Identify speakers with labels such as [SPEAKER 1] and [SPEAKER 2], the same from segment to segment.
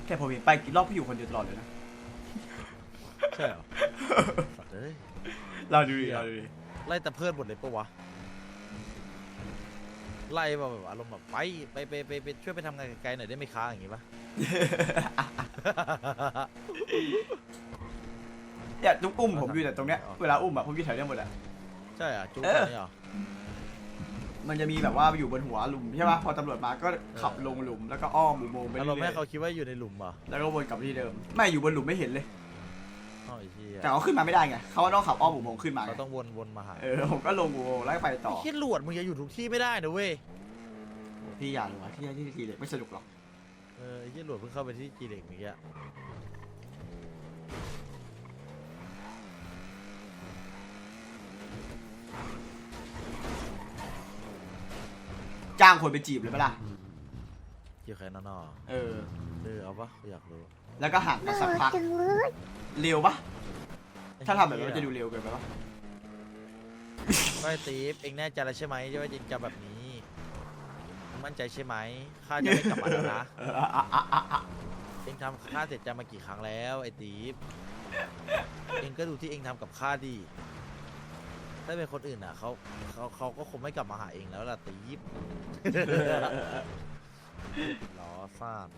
[SPEAKER 1] แต่ผมเห็นไปกี่รอบพี่อยู่คนเดียวตลอดเลยนะ
[SPEAKER 2] ใช่เหรอสัตว์เอ้ย
[SPEAKER 1] เราดูดิ
[SPEAKER 2] ไล่ตะเพิดหมดเลยปะวะไล่แบบอารมณ์แบบไปช่วยไปทำงานไกลๆหน่อยได้ไหมค้าอย่างงี้ปะ
[SPEAKER 1] เนี่ยจุ๊บอุ้มผมอยู่แต่ตรงเนี้ยเวลาอุ้มอะผมอยู่แถวเนี้ยหมดอะ
[SPEAKER 2] ใช่อ่ะจุ๊บตรงนี้เหรอ
[SPEAKER 1] มันจะมีแบบว่าอยู่บนหัวหลุมใช่ปะพอตำรวจมาก็ขับลงหลุมแล้วก็อ้อมอุโมงค์ไปเรื่อยๆ
[SPEAKER 2] อารมณ์ให้เขาคิดว่าอยู่ในหลุมเหรอ
[SPEAKER 1] แล้วก็วนกลับที่เดิมไม่อยู่บนหลุมไม่เห็นเลยแต่เขาขึ้นมาไม่ได้ไงเขาต้องขับอ้อมอุโมงค์ขึ้นมา
[SPEAKER 2] เขาต้องวนมาหา
[SPEAKER 1] ผมก็ลงอุโมงค์แล้วไปต่อ
[SPEAKER 2] คิดหลวดมึงจะอยู่ทุกที่ไม่ได้นะเว้ย
[SPEAKER 1] พี่อยากรู้ว่าที่ทีเล็กไม่สนุกหรอก
[SPEAKER 2] คิดหลวดเพิ่งเข้าไปที่จีเด็กเมื่อกี้
[SPEAKER 1] จ้างคนไปจีบเลยปะล่ะ
[SPEAKER 2] จีบใครนอเอาปะอยากรู้
[SPEAKER 1] แล้วก็ห่างกันสักพักเร็วปะถ้าทำแบบนี้จะดูเร็วเกินไปปะ
[SPEAKER 2] ไม่ตีฟเองแน่ใจแล้วใช่ไหมว่าจริงจะแบบนี้มั่นใจใช่ไหมข้าจะไม่กลับมาแล้วนะเองทำข้าเสร็จจะมากี่ครั้งแล้วไอ้ตีฟเองก็ดูที่เองทำกับข้าดีถ้าเป็นคนอื่นอ่ะเขาก็คงไม่กลับมาหาเองแล้วล่ะตีฟล้อซ่าน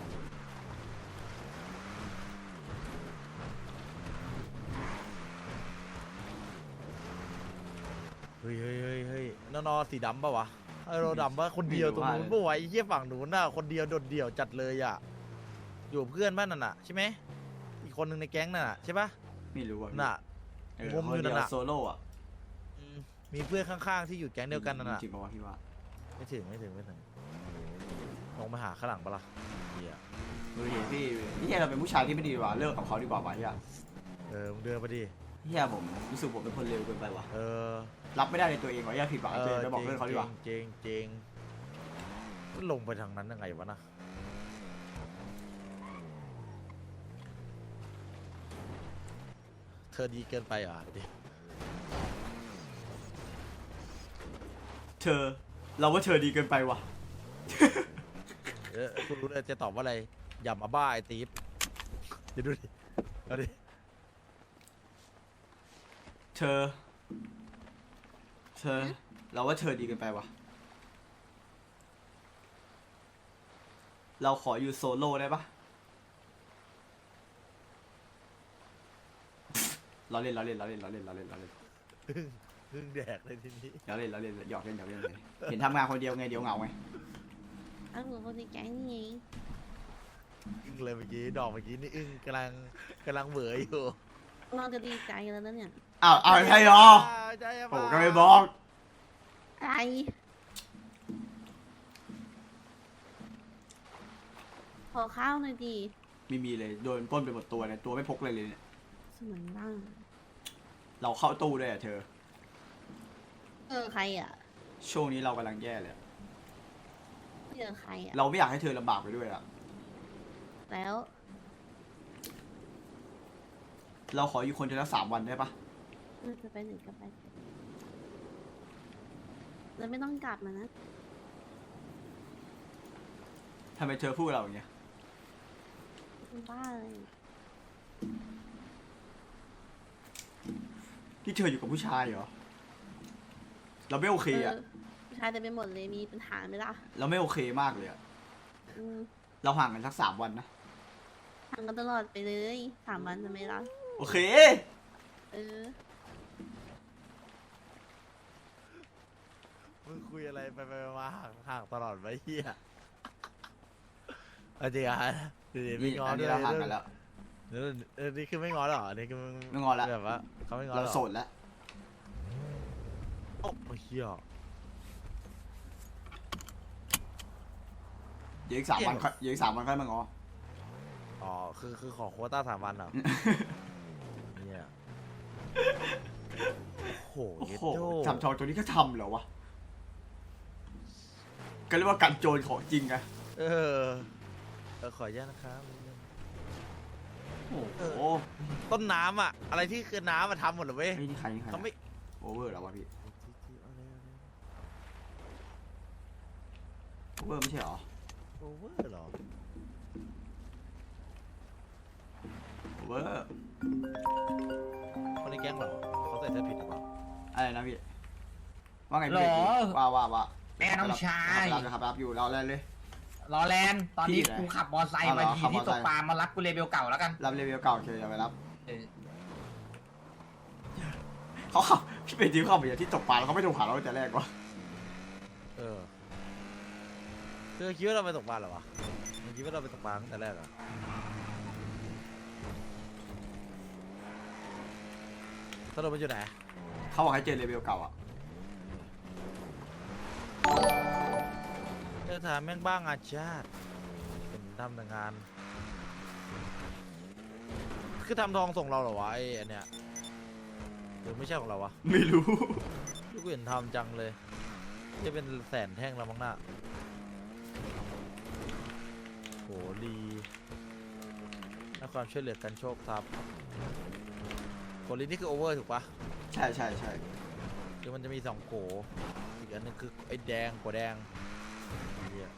[SPEAKER 2] เฮ้ยนอสีดำปะวะเราดำปะคนเดียวตรงนู้นปะวะไอ้เหี้ยฝั่งนู้นน่ะคนเดียวโดดเดี่ยวจัดเลยอ่ะอยู่เพื่อนบ้านนั่นน่ะใช่ไหมอีกคนหนึ่งในแก๊งนั่นน่ะใช่ปะ
[SPEAKER 1] ไม่รู้อ่ะ
[SPEAKER 2] น่ะมุมอยู่นั่นน่ะ
[SPEAKER 1] โซโล่อ่ะ
[SPEAKER 2] มีเพื่อนข้างๆที่อยู่แก๊งเดียวกันนั่นน่ะ
[SPEAKER 1] จริงปะวะพี่ว่า
[SPEAKER 2] ไม่ถึงลงมาหาข้างหลังปะล่ะเฮีย
[SPEAKER 1] ดูดิพี่เราเป็นผู้ชายที่ไม่ดีกว่าเลิกกับเขาดีกว่าป่ะเฮีย
[SPEAKER 2] มึงเดินมาดิ
[SPEAKER 1] เฮียผมรู้สึกผมเป็นคนเร็วเกินไปว่ะรับไม่ได้ในตัวเองว่ะเฮียผิดหวังตัวเองไปบอกเพื่อนเขาดีกว่า
[SPEAKER 2] จริงลงไปทางนั้นยังไงวะนะเธอดีเกินไปเหรอดิ
[SPEAKER 1] เราว่าเธอดีเกินไปว่ะ
[SPEAKER 2] คุณรู้เลยจะตอบว่าอะไรอย่ามาบ้าไอ้ตีฟจะดูดิเอาดิ
[SPEAKER 1] เธอเราว่าเธอดีเกินไปว่ะเราขออยู่โซโล่ได้ปะเราเล่น
[SPEAKER 2] พึ่งแดกเลยทีนี้
[SPEAKER 1] เราเล่นหยอกเล่นเลยเห็นทำงานคนเดียวไงเดี๋ยวเหงาไง
[SPEAKER 3] เอาหัวคนในแก๊งนี่
[SPEAKER 2] อึ้งเลยเมื่อกี้ดอกเมื่อกี้นี่อึ้งกำลังเบื่ออยู่
[SPEAKER 3] เราจะดีใจแล้วนะเนี่ย
[SPEAKER 1] เอาใช่หรอโอ้ก็ไม่บอก
[SPEAKER 3] อะไรขอข้าวหน่อยดี
[SPEAKER 1] ไม่มีเลยโดนปล้นไปหมดตัวเนี่ยตัวไม่พกเลยเนี่ย
[SPEAKER 3] สมัยบ้าง
[SPEAKER 1] เราเข้าตู้ด้วยเธอ
[SPEAKER 3] ใครอ่ะ
[SPEAKER 1] ช่วงนี้เรากำลังแย่เลย
[SPEAKER 3] ใครอ่ะ
[SPEAKER 1] เราไม่อยากให้เธอลำบากไปด้วยอ่ะ
[SPEAKER 3] แล้ว
[SPEAKER 1] เราขออยู่คนเดียวละ3 วันได้ปะ
[SPEAKER 3] จะไปไหนก็ไปแล้วไม่ต้องกลับมานะ
[SPEAKER 1] ทำไมเธอพูดกับเราอย่างเงี้ย
[SPEAKER 3] บ้าเลย
[SPEAKER 1] ที่เธออยู่กับผู้ชายเหรอเราไม่โอเคอ่ะ
[SPEAKER 3] ผู้ชายจะไปหมดเลยมีปัญหาไหมล่ะ
[SPEAKER 1] เราไม่โอเคมากเลยอ่ะเราห่างกันสัก3 วันนะ
[SPEAKER 3] ห่างกันตลอดไปเลย3 วันจะไม่ล่ะ
[SPEAKER 1] โอเค
[SPEAKER 2] มึงคุยอะไรไปมาห่างตลอดไปเฮียจริงอ่ะไม่ง้อด้วย
[SPEAKER 1] เราห่างกันแล้ว
[SPEAKER 2] นี่คือไม่ง้อหรอนี่คือ
[SPEAKER 1] ไม่ง้อแล้ว
[SPEAKER 2] แบบว่าเขาไม่ง้อ
[SPEAKER 1] เราโสดแล้ว
[SPEAKER 2] โอ้เฮีย
[SPEAKER 1] เดี๋ยวอีก3 วันค่อยมาง้อ
[SPEAKER 2] คือขอโควต้า3 วันเหรอเนี่ยโอ้โห
[SPEAKER 1] ทำทองตัวนี้ก็ทำเหรอวะก็เรียกว่ากันโจรของจริงไง
[SPEAKER 2] ขออนุญาตนะครับ
[SPEAKER 1] โอ้โห
[SPEAKER 2] ต้นน้ำอะอะไรที่คือน้ำมาทำหมดเลยเว้ย
[SPEAKER 1] นี่ใคร
[SPEAKER 2] เขาไม่
[SPEAKER 1] โอเวอร์แล้ววะพี่โอเวอร์ไม่ใช่หรอ
[SPEAKER 2] โอเวอร์หรอ
[SPEAKER 1] เวอร์
[SPEAKER 2] คนในแก๊งเหรอเขาใส่เสื้อผิดหรือเปล่า
[SPEAKER 1] อะไรนะพี่ว่าไง
[SPEAKER 4] หร
[SPEAKER 1] พี่
[SPEAKER 4] อ
[SPEAKER 1] ว่า
[SPEAKER 4] แม่น้องชาย
[SPEAKER 1] รับอยู่เราอะไรเลย
[SPEAKER 4] รอแลนด์ตอนนี้
[SPEAKER 1] พี่ไหน
[SPEAKER 4] กูขับมอไซค์มา
[SPEAKER 1] เอาเหรอ
[SPEAKER 4] ที
[SPEAKER 1] ขับม
[SPEAKER 4] ที่
[SPEAKER 1] อ
[SPEAKER 4] ต
[SPEAKER 1] ไซ
[SPEAKER 4] ก
[SPEAKER 1] ค์
[SPEAKER 4] ปลามารับกูเลเวลเก่าแล้วกัน
[SPEAKER 1] รับรีวิวเก่าโอเคอย่าไปรับ
[SPEAKER 4] เออ
[SPEAKER 1] เขาขับพี่เป็นทีมเข้าไปอย่างที่ตกปลาแล้วเขาไม่ถูกหาเราตั้งแต่แรกวะ
[SPEAKER 2] เออเธอคิดว่าเราไปตกปลาเหรอวะมึงคิดว่าเราไปตกปลาตั้งแต่แรกเหรอสรุปมันอยู่ไหน
[SPEAKER 1] เขาบอกให้เจอรีวิวเก่าอ่ะ
[SPEAKER 2] เธอถามแม่งบ้างอาชาติเป็นทำแต่งาน คือทำทองส่งเราเหรอวะไอ้อันเนี้ยหรือไม่ใช่ของเราวะ
[SPEAKER 1] ไม่รู้
[SPEAKER 2] ลูกเห็นทำจังเลยจะเป็นแสนแท่งแล้วมั้งน่ะโหลีและความช่วยเหลือกันโชคทรัพย์โกลีนี่คือโอเวอร์ถูกปะ
[SPEAKER 1] ใช่ใช่ใช่
[SPEAKER 2] คือมันจะมี2โกอีกอันนึงคือไอ้แดงกัวแดงเหี้ย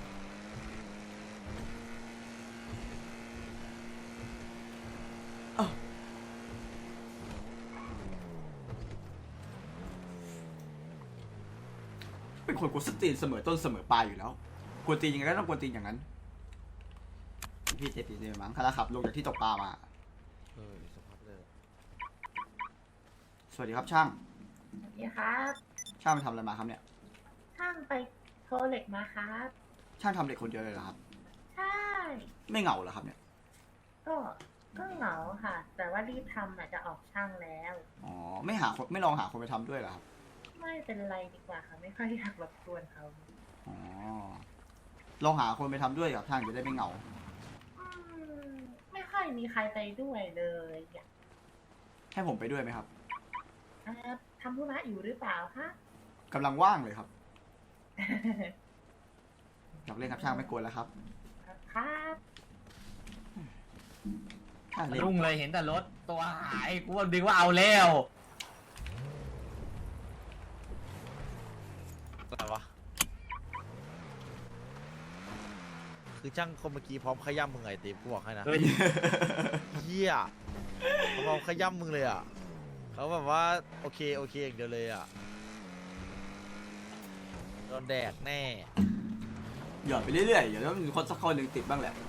[SPEAKER 1] เป็นคนกวนสตรีนเสมอต้นเสมอปลายอยู่แล้วกวนตีนยังไงก็ต้องกวนตีนอย่างนั้นพี่เจตีเนี่ยมั้งคาราขับลงจากที่ตกปลามา
[SPEAKER 2] สภาพเลย
[SPEAKER 1] สวัสดีครับช่าง
[SPEAKER 5] สวัสดีครับ
[SPEAKER 1] ช่างไปทำอะไรมาครับเนี่ย
[SPEAKER 5] ช่างไปโทรเหล็กมาครับ
[SPEAKER 1] ช่างทำเด็กคนเดียวเลยเหรอครับ
[SPEAKER 5] ใช่
[SPEAKER 1] ไม่เหงาเหรอครับเนี่ย
[SPEAKER 5] ก็เหงาค่ะ แต่ว่ารีบทำจะออกช่างแล้ว
[SPEAKER 1] อ๋อไม่หาคนไม่ลองหาคนไปทำด้วยเหรอครับ
[SPEAKER 5] ไม่เป็นไรดีกว่าค่ะ ไม่ค่อยอยากรบกวนเขา
[SPEAKER 1] อ๋อลองหาคนไปทำด้วยกับช่างจะได้ไม่เหงา
[SPEAKER 5] อืมไม่ค่อยมีใครไปด้วยเลยอยาก
[SPEAKER 1] ให้ผมไปด้วยไหมครับ
[SPEAKER 5] ทำธุระอยู่หรือเปล่าคะ
[SPEAKER 1] กำลังว่างเลยครับอยากเล่นครับช่างไม่กวนแล้วครับ
[SPEAKER 5] ครับ
[SPEAKER 1] ช่างเล่น
[SPEAKER 4] รุ่งเลยเห็นแต่รถตัวหายกูว่าดึงว่าเอาแล้ว
[SPEAKER 2] อะไรวะคือช่างคนเมื่อกี้พร้อมขย้ำมึงไงตีกูบอกให้นะ
[SPEAKER 4] เฮ้ย
[SPEAKER 2] เฮียเขาพร้อมขย้ำมึงเลยอ่ะเขาแบบว่าโอเคอย่างเดียวเลยอ่ะโดนแดกแน่
[SPEAKER 1] หยอดไปเรื่อยๆเดี๋ยวต้องมีคนสักคนหนึ่งติดบ้างแหละ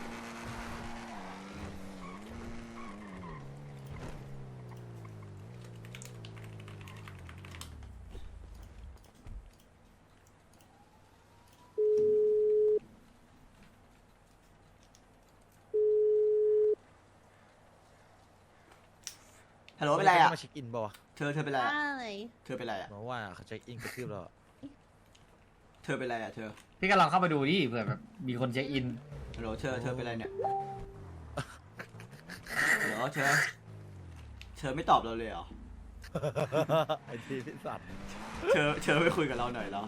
[SPEAKER 1] ฮัลโหลเป็นไรอ่ะ
[SPEAKER 2] มาเช็คอินป่าวะ
[SPEAKER 1] เธอเป็นไร
[SPEAKER 3] ว่า
[SPEAKER 1] อ่ะ
[SPEAKER 3] อะไร
[SPEAKER 1] เธอเป็นไรอ่ะ
[SPEAKER 2] บอกว่าเขาเช็คอินกระทืบเราอะ
[SPEAKER 1] เธอเป็นไรอ่ะเธอ
[SPEAKER 4] พี่ก็ลองเข้าไปดูดิเผื่อแบบมีคนเช็คอิน
[SPEAKER 1] ฮัลโหลเธอเป็นไรเนี่ยฮัลโหลเธอไม่ตอบเราเลยเหรอ
[SPEAKER 2] ไอ้ทีพี่สัตว์
[SPEAKER 1] เธอไม่คุยกับเราหน่อยเหรอ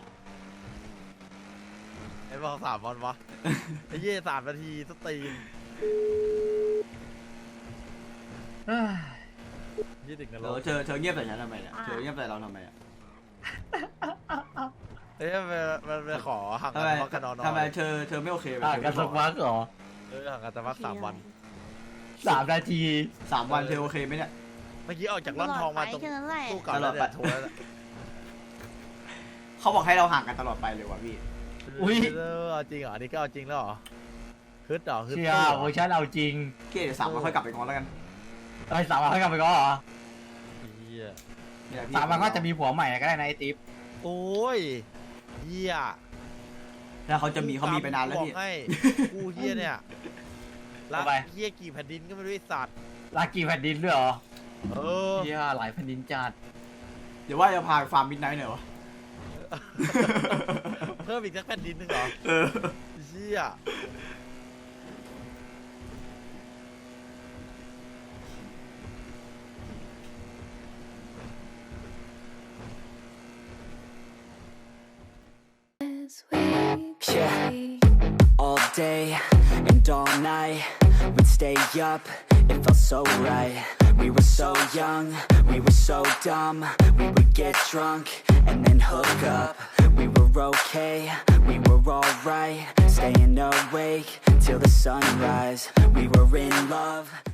[SPEAKER 2] ไอ้บอก3 วันวะไอ้เย่3 นาทีสตรีม
[SPEAKER 4] เอ้ย
[SPEAKER 2] ยี่ถึงกัน
[SPEAKER 1] ฮัล
[SPEAKER 2] แล้
[SPEAKER 1] โหล
[SPEAKER 2] ว
[SPEAKER 1] เธอเงียบใส่ฉันทำไมเนี่ยเธอเงียบใส่เราทำไมอ่ะ
[SPEAKER 2] เอ้ยมันไปขอห่างกั
[SPEAKER 1] ทำ
[SPEAKER 2] น
[SPEAKER 1] ไม
[SPEAKER 2] พักกันนอน
[SPEAKER 1] ทำไมเธอไม่โอเคไหม
[SPEAKER 4] อ่ะกันสักพักเหรอ
[SPEAKER 2] ห่างกันแต่พัก3 วัน
[SPEAKER 4] 3 นาที
[SPEAKER 1] 3 วันเธอโอเคไหมเนี่ย
[SPEAKER 2] เมื่อกี้ออกจากร่อนทองมาตรง
[SPEAKER 3] แค่นั้นแหละ
[SPEAKER 2] ตู้เก่าแล้วเนี่ยโทรแล้ว
[SPEAKER 1] เขาบอกให้เราห่างกันตลอดไปเลยว่ะพี่
[SPEAKER 4] อุ๊ย
[SPEAKER 2] เอาจริงเหรออันนี้ก็เอาจริงแล้วเหรอฮึดเหรอฮึด
[SPEAKER 4] เชี่ย
[SPEAKER 2] ตู้เหรอ
[SPEAKER 4] เวอร์ชันเอาจริง
[SPEAKER 1] เกเดี๋ยว3 วันค่อยกลับไปงอนแล้วกัน
[SPEAKER 4] ไอ้3 วันเขากลับไปก็เหรอ
[SPEAKER 2] เหี้ย
[SPEAKER 1] นี่แหละพี่
[SPEAKER 4] 3 วันก็จะมีผัวใหม่ก็ได้นะไอ้ติ๊บ
[SPEAKER 2] โอ้ยเหี้ย
[SPEAKER 1] แล้วเขามีไปนานแล้ว
[SPEAKER 2] บอก
[SPEAKER 1] พี่
[SPEAKER 2] ให้กูเหี้ยเนี่ยรัก
[SPEAKER 4] เอาไป
[SPEAKER 2] เหี้ยกี่แผ่นดินก็ไม่รู้ไอ้สัตว์
[SPEAKER 4] ลากี่แผ่นดินด้วยเหรอ
[SPEAKER 2] เออ
[SPEAKER 4] เชี่ยหลายแผ่นดินจัด
[SPEAKER 1] เดี๋ยวว่าจะพาไปฟาร์มมิดไนท์หน่อยวะ
[SPEAKER 2] เพิ่มอีกสักแผ่นดินหนึงเหรอ
[SPEAKER 1] เออ
[SPEAKER 2] เชี่ย
[SPEAKER 6] Yeah, all day and all night we'd stay up, it felt so right. We were so young, we were so dumb. We would get drunk and then hook up. We were okay, we were alright. Staying awake till the sunrise. We were in love.